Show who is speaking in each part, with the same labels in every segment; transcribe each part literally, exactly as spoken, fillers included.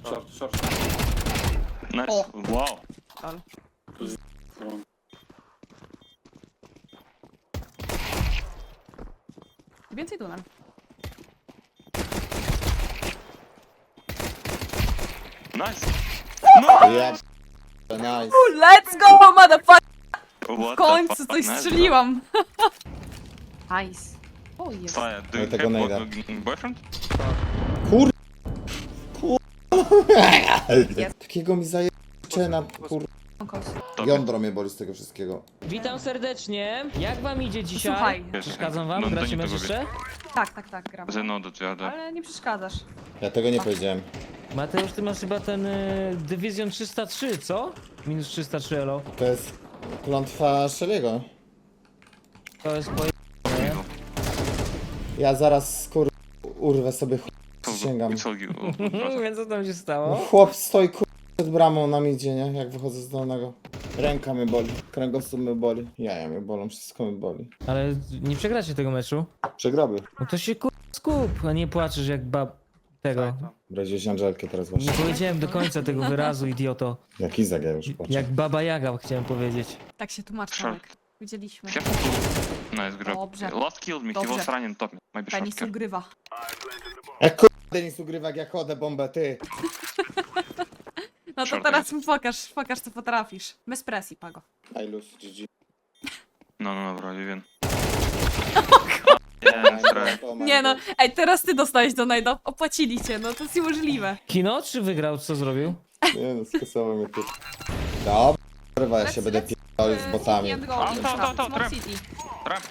Speaker 1: Short, short.
Speaker 2: Nice.
Speaker 3: O.
Speaker 2: Wow.
Speaker 3: Ale. Więcej tunel.
Speaker 2: Nice.
Speaker 4: Ja nice.
Speaker 3: Let's go, motherfucker!
Speaker 2: What
Speaker 3: W końcu
Speaker 2: the fuck?
Speaker 3: coś
Speaker 2: Nice,
Speaker 3: strzeliłam. Nice. O, jest.
Speaker 2: bro. Fire, do
Speaker 4: Ja
Speaker 2: you
Speaker 4: tego
Speaker 2: have
Speaker 4: nie
Speaker 2: bo- boyfriend?
Speaker 4: Kur... Kur...
Speaker 3: Jest.
Speaker 4: Takiego mi zajęcie na kur...
Speaker 2: Dobra.
Speaker 4: Jądro mnie boli z tego wszystkiego.
Speaker 5: Witam serdecznie. Jak wam idzie dzisiaj?
Speaker 3: Słuchaj.
Speaker 5: Przeszkadzam wam?
Speaker 2: No, to
Speaker 5: Gracie
Speaker 2: nie
Speaker 5: mecz
Speaker 2: to
Speaker 5: jeszcze?
Speaker 3: Tak, tak, tak, gram.
Speaker 2: Ze no do dziada.
Speaker 3: Ale nie przeszkadzasz.
Speaker 4: Ja tego nie powiedziałem.
Speaker 5: Mateusz, ty masz chyba ten y, Division trzysta trzy, co? Minus trzysta trzy elo.
Speaker 4: To jest klątwa Shelly'ego.
Speaker 5: To jest po...
Speaker 4: Ja zaraz kur... urwę sobie ch... Przysięgam.
Speaker 5: Więc co tam się
Speaker 4: No,
Speaker 5: stało?
Speaker 4: chłop stoi kur... przed bramą na midzie, nie? Jak wychodzę z dolnego. Ręka mnie boli, kręgosłup mnie boli, jaja mnie bolą, wszystko mnie boli.
Speaker 5: Ale nie przegracie tego meczu?
Speaker 4: Przegroby.
Speaker 5: No to się kur... skup, a nie płaczesz jak bab... tego.
Speaker 4: Braziłeś Angelkę teraz
Speaker 5: Nie
Speaker 4: właśnie.
Speaker 5: powiedziałem do końca tego wyrazu, idioto.
Speaker 4: Jak Izak, ja już płaczę.
Speaker 5: Jak baba Jaga chciałem powiedzieć.
Speaker 3: Tak się tłumaczy,
Speaker 2: Short.
Speaker 3: Tomek. Widzieliśmy.
Speaker 2: Nice grab.
Speaker 3: Dobrze.
Speaker 2: Last killed me, he
Speaker 3: Dobrze.
Speaker 2: was running top me. Maybe short
Speaker 3: Penis
Speaker 2: kill.
Speaker 3: ugrywa.
Speaker 4: Jak kur... Denis ugrywa, jak ja chodzę bombę, ty.
Speaker 3: No to
Speaker 2: Short
Speaker 3: teraz mi pokaż, pokaż co potrafisz. Bez presji, Pago.
Speaker 4: I lose, G G.
Speaker 2: No, no, no, bro, Vivian. Yeah, try.
Speaker 3: Nie no, ej, teraz ty dostałeś do najda. Opłacili cię, no to jest niemożliwe.
Speaker 5: Kino czy wygrał? Co zrobił?
Speaker 4: Nie no, skasował mnie tu. Dobra, kurwa, ja się
Speaker 3: Let's-
Speaker 4: będę
Speaker 3: let's,
Speaker 4: pierdolił z
Speaker 3: e,
Speaker 4: botami.
Speaker 3: City and go,
Speaker 2: A, to, to, to,
Speaker 3: Small
Speaker 2: trap.
Speaker 3: City.
Speaker 2: Trap.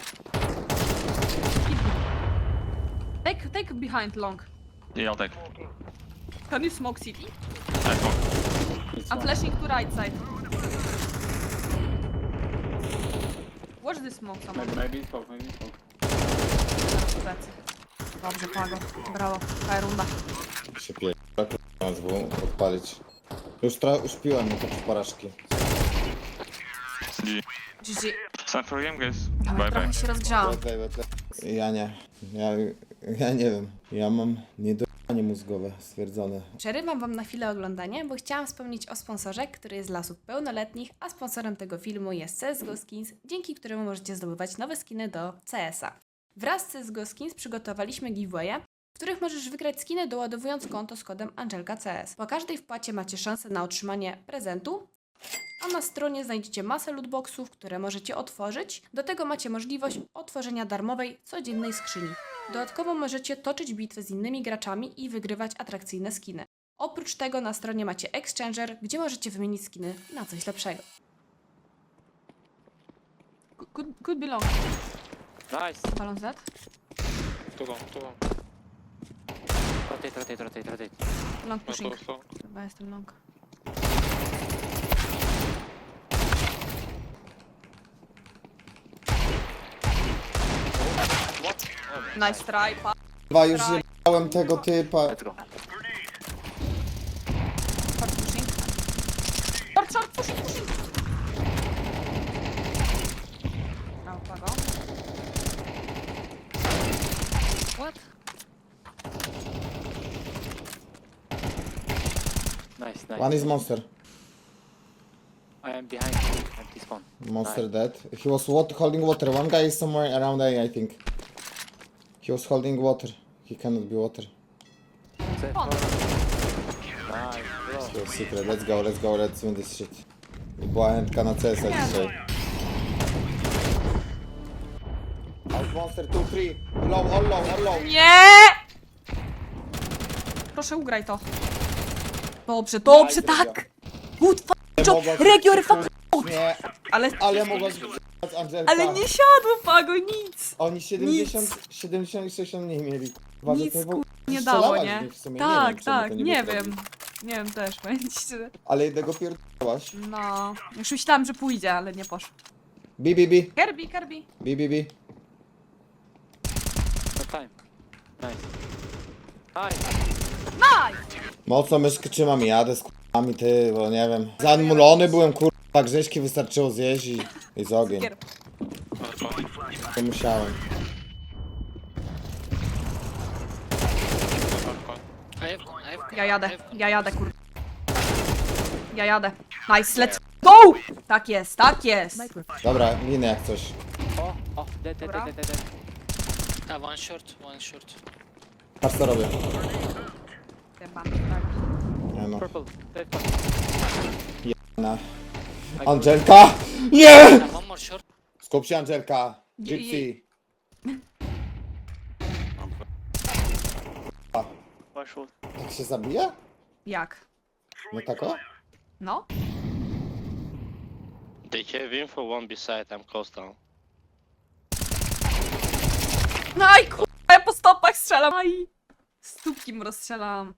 Speaker 3: Take, take behind long.
Speaker 2: Yeah, I'll take.
Speaker 3: Can you smoke city?
Speaker 2: Nice one.
Speaker 3: I'm flashing to right side. Watch this smoke, someone.
Speaker 1: Maybe, maybe smoke, maybe smoke.
Speaker 3: Plecy. Dobrze, Pago. Brawo. Fajna runda.
Speaker 4: Się pierdolę, kurwa, z W odpalić. Już, tra- już piłem no to po porażki.
Speaker 2: G G.
Speaker 3: G G.
Speaker 2: Time for game, guys.
Speaker 3: Dawaj,
Speaker 2: Bye bye.
Speaker 3: trochę się rozgrzałam.
Speaker 4: Wait, wait, wait. Ja nie. Ja, ja nie wiem. Ja mam niedojanie mózgowe stwierdzone.
Speaker 3: Przerywam wam na chwilę oglądanie, bo chciałam wspomnieć o sponsorze, który jest dla osób pełnoletnich, a sponsorem tego filmu jest C S G O Skins, dzięki któremu możecie zdobywać nowe skiny do C S a. Wraz z C S G O Skins przygotowaliśmy giveawaye, w których możesz wygrać skiny doładowując konto z kodem Angelka C S. Po każdej wpłacie macie szansę na otrzymanie prezentu, a na stronie znajdziecie masę lootboxów, które możecie otworzyć. Do tego macie możliwość otworzenia darmowej, codziennej skrzyni. Dodatkowo możecie toczyć bitwy z innymi graczami i wygrywać atrakcyjne skiny. Oprócz tego na stronie macie Exchanger, gdzie możecie wymienić skiny na coś lepszego. Could, could be long.
Speaker 6: Nice.
Speaker 3: Balon Z.
Speaker 6: Too long, too long. Rotate, rotate, rotate, rotate.
Speaker 3: Long
Speaker 6: No,
Speaker 3: pushing.
Speaker 6: so, so.
Speaker 3: Chyba jestem long. Nice try, pa.
Speaker 4: Chyba już jebałem tego typa.
Speaker 6: Let's go.
Speaker 3: Short pushing. Short, short, pushing, pushing. Brawo, Pago. What?
Speaker 6: Nice, nice.
Speaker 4: One is monster.
Speaker 6: I am behind. Empty spawn.
Speaker 4: Monster dead. He was wat- holding water. One guy is somewhere around A, I think. He was holding water. He cannot be water.
Speaker 6: Nice,
Speaker 3: On.
Speaker 6: bro.
Speaker 4: To secret. Let's go, let's go, let's win this shit. Była chętka na C S a dzisiaj. Out monster two, three. Low, all low, all low.
Speaker 3: Nie! Proszę, ugraj to. Dobrze, dobrze,
Speaker 4: Nice,
Speaker 3: tak! Good fuck job!
Speaker 4: Mogłaś-
Speaker 3: Regio fuck out!
Speaker 4: Nie,
Speaker 3: Ale,
Speaker 4: ale mogłaś z Angelka.
Speaker 3: ale nie siadło, Pago, nic!
Speaker 4: Oni siedemdziesiąt, siedemdziesiąt i sześćdziesiąt mniej mieli. Uważaj,
Speaker 3: Nic,
Speaker 4: to
Speaker 3: kur- nie
Speaker 4: strzelałaś
Speaker 3: dało,
Speaker 4: w
Speaker 3: nie?
Speaker 4: nich w sumie.
Speaker 3: Tak,
Speaker 4: nie wiem, czemu
Speaker 3: tak,
Speaker 4: to
Speaker 3: nie
Speaker 4: było
Speaker 3: wiem.
Speaker 4: zrobić.
Speaker 3: Nie wiem też, powiem ci szczerze.
Speaker 4: Ale jednego pierdolałaś.
Speaker 3: No, już myślałam, że pójdzie, ale nie poszło.
Speaker 4: B, B, B.
Speaker 3: Kirby, Kirby.
Speaker 4: B, B, B.
Speaker 6: No time. Nice. Nice.
Speaker 3: Nice!
Speaker 4: Mocno myszkę trzymam i jadę z k***ami, ty, bo nie wiem. Zanulony byłem, kurwa, grześki wystarczyło zjeść i, i z ogień.
Speaker 3: Kier.
Speaker 4: To musiałem.
Speaker 6: I have, I Knife.
Speaker 3: Ja jadę,
Speaker 6: Knife.
Speaker 3: ja jadę, kur... Ja jadę. Nice, let's go! Tak jest, tak jest.
Speaker 4: Dobra, minę jak coś.
Speaker 6: Oh, oh, dead, dead,
Speaker 3: Dobra.
Speaker 6: dead, dead, dead. Ah, one short, one short.
Speaker 4: Patrz co robię.
Speaker 3: Chyba, tak.
Speaker 4: Nie no.
Speaker 6: Purple, dead.
Speaker 4: Na.
Speaker 6: I go.
Speaker 4: Angelka! Nie!
Speaker 6: Ah, one more short.
Speaker 4: Skup się Angelka.
Speaker 3: Je-
Speaker 4: Gypsy. Tak się zabija?
Speaker 3: Jak?
Speaker 4: No tak o?
Speaker 3: No?
Speaker 1: They have info one beside, I'm close down.
Speaker 3: Aj, kurwa, ja po stopach strzelam. Aj. Stópkiem rozstrzelam.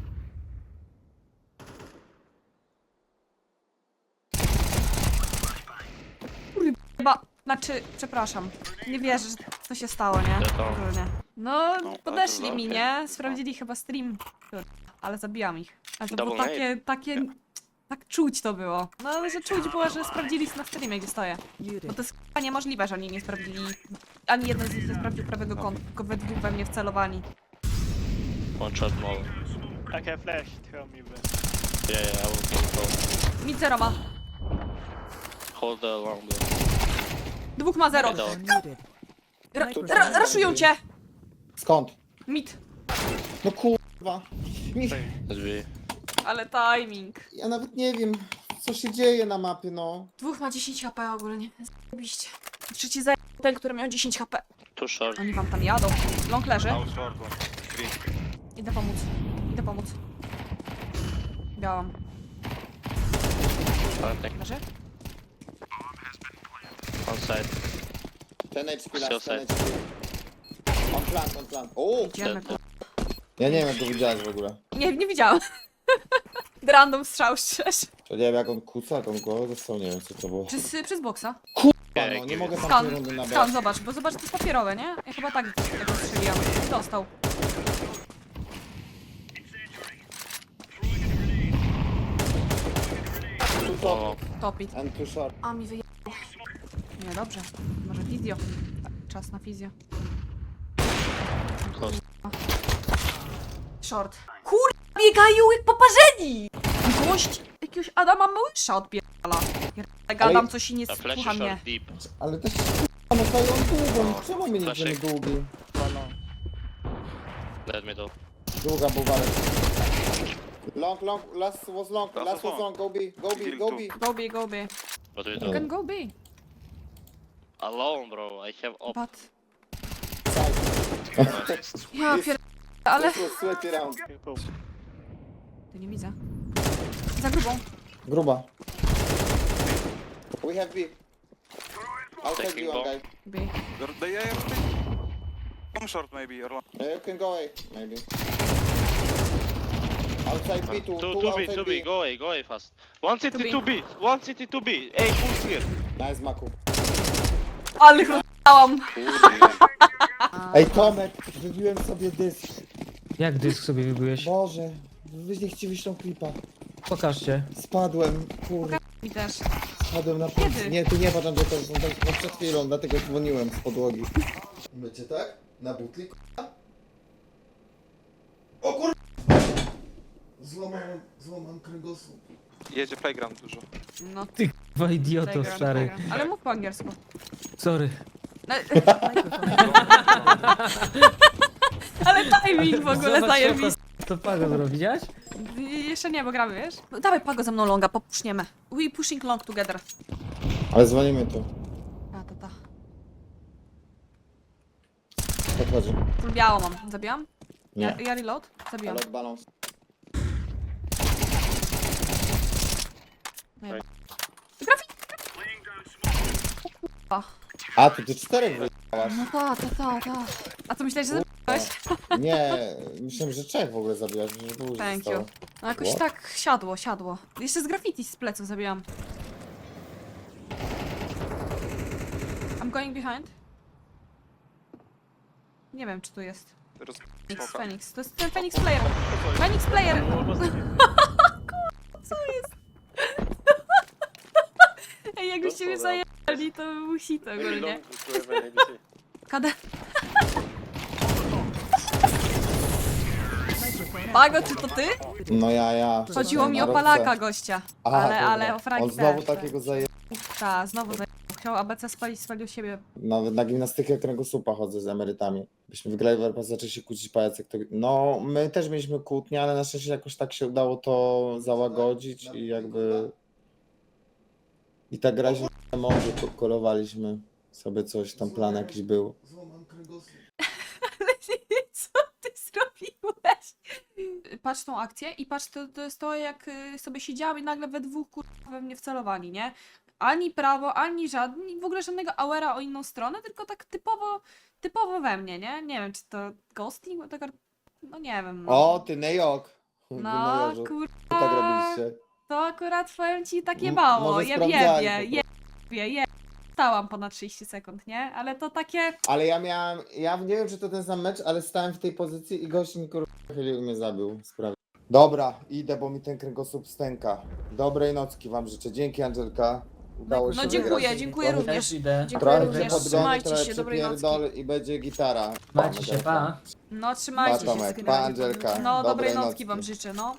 Speaker 3: Kurwa, chyba, znaczy, przepraszam. Nie wierzę, że to się stało, nie?
Speaker 1: Wiadomo.
Speaker 3: Ogólnie. No,
Speaker 1: No,
Speaker 3: podeszli
Speaker 1: to
Speaker 3: mi,
Speaker 1: okej.
Speaker 3: nie? Sprawdzili chyba stream. Kurwa, ale zabijam ich. Ale to było
Speaker 1: Double
Speaker 3: takie, takie... Tak czuć to było. No, ale że czuć było, że sprawdzili na streamie, gdzie stoję. Bo to jest chyba niemożliwe, że oni nie sprawdzili. Ani jeden z nich nie sprawdził prawego kąta, tylko we dwóch we mnie wcelowani.
Speaker 1: One shot more.
Speaker 7: I can flash, tell me when.
Speaker 1: Yeah, yeah, I will go close.
Speaker 3: Mid zero ma.
Speaker 1: Hold the long door.
Speaker 3: Dwóch ma zero.
Speaker 1: Middle.
Speaker 3: Ra ra raszują cię!
Speaker 4: Skąd?
Speaker 3: Mid.
Speaker 4: No kurwa. Nie,
Speaker 1: Let's be.
Speaker 3: Ale timing.
Speaker 4: ja nawet nie wiem, co się dzieje na mapie, no.
Speaker 3: Dwóch ma dziesięć HP ogólnie. Zajebiście. Trzeci za ten, który miał dziesięć HP.
Speaker 1: Too short.
Speaker 3: Oni wam tam jadą. Long leży.
Speaker 2: House short one. Green.
Speaker 3: Idę pomóc. Idę pomóc. Białam.
Speaker 1: Planting.
Speaker 3: Leży?
Speaker 1: On side.
Speaker 4: Ten H P
Speaker 1: Still
Speaker 4: last, ten
Speaker 1: side.
Speaker 4: H P. On plan, on plan. O!
Speaker 3: Idziemy.
Speaker 1: Dead.
Speaker 4: Ja nie wiem jak go widziałeś w ogóle.
Speaker 3: Nie, nie widziałam. Random strzał szczerze.
Speaker 4: To nie wiem jak on kuca, jak on głowę dostał, nie wiem co to było.
Speaker 3: Przez, przez boksa.
Speaker 4: Kurwa, no nie mogę tam
Speaker 3: Skan,
Speaker 4: tej rundy nabrać.
Speaker 3: skan, zobacz, bo zobacz, to jest papierowe, nie? Ja chyba tak tego strzeliłam. Dostał.
Speaker 4: Too top
Speaker 3: Top it.
Speaker 4: and too short.
Speaker 3: A mi wyjęło. Nie, dobrze. Może fizjo. Tak, czas na fizjo.
Speaker 1: Close.
Speaker 3: Short. Kur... biegają jak poparzeni! Gość jakiegoś Adama Małysza odpierdala. Ja gadam coś i nie
Speaker 1: A flash
Speaker 3: słucha
Speaker 1: is
Speaker 3: mnie.
Speaker 1: short deep.
Speaker 4: Ale też kurwa, no dają długą, czemu my nie
Speaker 1: Flashing.
Speaker 4: idziemy długi?
Speaker 1: Dead middle.
Speaker 4: Długa buwarek. Long, long, last was long,
Speaker 2: Last
Speaker 4: last
Speaker 2: was
Speaker 4: was long, go B, go B, go B.
Speaker 3: Go B, go B.
Speaker 1: What do we
Speaker 3: You
Speaker 1: do?
Speaker 3: can go B.
Speaker 1: Alone, bro. I have op.
Speaker 3: But...
Speaker 1: Nice.
Speaker 3: Ja pier... ale...
Speaker 4: This was sweaty round.
Speaker 3: Tu nie widzę. Za grubą.
Speaker 4: Gruba. We have B. Outside
Speaker 1: Taking
Speaker 4: B one
Speaker 1: bomb.
Speaker 4: guy.
Speaker 3: B.
Speaker 2: They have One short maybe or one.
Speaker 4: Uh, you can go A, maybe. Outside B, two,
Speaker 1: Two,
Speaker 4: two
Speaker 1: two B,
Speaker 4: outside
Speaker 1: two
Speaker 4: B.
Speaker 1: B. Go away, go away fast. One city,
Speaker 3: B.
Speaker 1: two B. One city, two B. Hey, who's here?
Speaker 4: Nice, Maku.
Speaker 3: Ale rozstałam.
Speaker 4: Ej, Tomek, wybiłem sobie dysk.
Speaker 5: Jak dysk sobie wybyłeś?
Speaker 4: Boże, wy nie chcieli tą klipa.
Speaker 5: Pokażcie.
Speaker 4: Spadłem, kurde,
Speaker 3: Mi też.
Speaker 4: spadłem na
Speaker 3: Kiedy?
Speaker 4: pół. Nie, tu nie patrzę, że to są tak no przed chwilą, dlatego dzwoniłem z podłogi. Będzie tak? Na butli, k***a? O kur... Złamałem, złamałem kręgosłup.
Speaker 2: Jedzie playground dużo.
Speaker 3: No,
Speaker 5: Dwa idioto
Speaker 3: playground,
Speaker 5: stary.
Speaker 3: playground. Ale mów po angielsku.
Speaker 5: Sorry.
Speaker 3: No. Ale timing w ogóle
Speaker 5: Zobacz,
Speaker 3: zajebisty.
Speaker 5: To, to pago zrobić, widziałeś?
Speaker 3: Jeszcze nie, bo gramy, wiesz? No, dawaj Pago ze mną longa, popuszniemy. We pushing long together.
Speaker 4: Ale dzwonimy tu.
Speaker 3: A, to ta.
Speaker 4: Podchodzi.
Speaker 3: Full biało mam. Zabijam? Ja,
Speaker 4: Nie.
Speaker 3: ja reload? Zabijam.
Speaker 4: Ale balans.
Speaker 3: Grafik! O,
Speaker 4: A, tu ty czterech wyjechałaś.
Speaker 3: no ta, ta, ta, ta. A co myślałeś, że zabiłeś?
Speaker 4: Nie, myślałem, że trzech w ogóle zabijasz, że było
Speaker 3: Thank
Speaker 4: zostało.
Speaker 3: you. No jakoś
Speaker 4: What?
Speaker 3: tak siadło, siadło. Jeszcze z graffiti z pleców zabijam. I'm going behind. Nie wiem, czy tu jest.
Speaker 2: Roz...
Speaker 3: Phoenix,
Speaker 2: Smoka.
Speaker 3: Phoenix. To jest ten Phoenix Player. Phoenix Player! Co jest? Ej, jakbyście mnie zajęli, to by był hit ogólnie. Kada... Pago, czy to ty?
Speaker 4: No ja, ja.
Speaker 3: Chodziło mi o
Speaker 4: Na
Speaker 3: Palaka
Speaker 4: rotce.
Speaker 3: gościa.
Speaker 4: Aha,
Speaker 3: ale,
Speaker 4: dobra.
Speaker 3: ale o fragi
Speaker 4: On znowu
Speaker 3: też.
Speaker 4: takiego zaje...
Speaker 3: Tak, znowu za... Chciał A B C spalić, spalił siebie.
Speaker 4: Nawet na gimnastykę kręgosłupa chodzę z emerytami. Byśmy wygrali w R P, zaczęli się kłócić pajacy. Kto... No, my też mieliśmy kłótnie, ale na szczęście jakoś tak się udało to załagodzić i jakby... I tak graliśmy na morzu, ko- kolowaliśmy sobie coś, tam plan jakiś był.
Speaker 3: Co ty zrobiłeś? Patrz tą akcję i patrz, to, to jest to, jak y, sobie siedziałam i nagle we dwóch kurwa we mnie wcelowali, nie? Ani prawo, ani żadny, w ogóle żadnego auera o inną stronę, tylko tak typowo, typowo we mnie, nie? Nie wiem, czy to ghosting, bo tak, no nie wiem. No,
Speaker 4: O, ty Nejok!
Speaker 3: no
Speaker 4: Co
Speaker 3: kurwa,
Speaker 4: tak robiliście?
Speaker 3: to akurat powiem ci takie
Speaker 4: M-
Speaker 3: mało,
Speaker 4: może
Speaker 3: je,
Speaker 4: sprawdzali
Speaker 3: jebie,
Speaker 4: po
Speaker 3: jebie, jebie. Stałam ponad trzydzieści sekund, nie? Ale to takie...
Speaker 4: Ale ja miałem, ja nie wiem czy to ten sam mecz, ale stałem w tej pozycji i gość mi kurwa chylił i mnie zabił. Sprawie. Dobra, idę, bo mi ten kręgosłup stęka. Dobrej nocki wam życzę. Dzięki Angelka. Udało się
Speaker 3: No dziękuję,
Speaker 4: wygrać.
Speaker 3: dziękuję
Speaker 4: Trochę-
Speaker 3: również.
Speaker 5: idę.
Speaker 3: Dziękuję
Speaker 4: Trochę
Speaker 3: również.
Speaker 4: się podgonię,
Speaker 3: Trzymajcie
Speaker 4: trochę
Speaker 3: się, dobrej nocki.
Speaker 4: przypierdol i będzie gitara.
Speaker 5: Macie się, pa.
Speaker 3: No trzymajcie
Speaker 4: Pa,
Speaker 3: się.
Speaker 4: Tomek,
Speaker 3: z
Speaker 4: pa, Angelka.
Speaker 3: No dobrej
Speaker 4: Dobrej
Speaker 3: nocki
Speaker 4: nocki.
Speaker 3: wam życzę, no.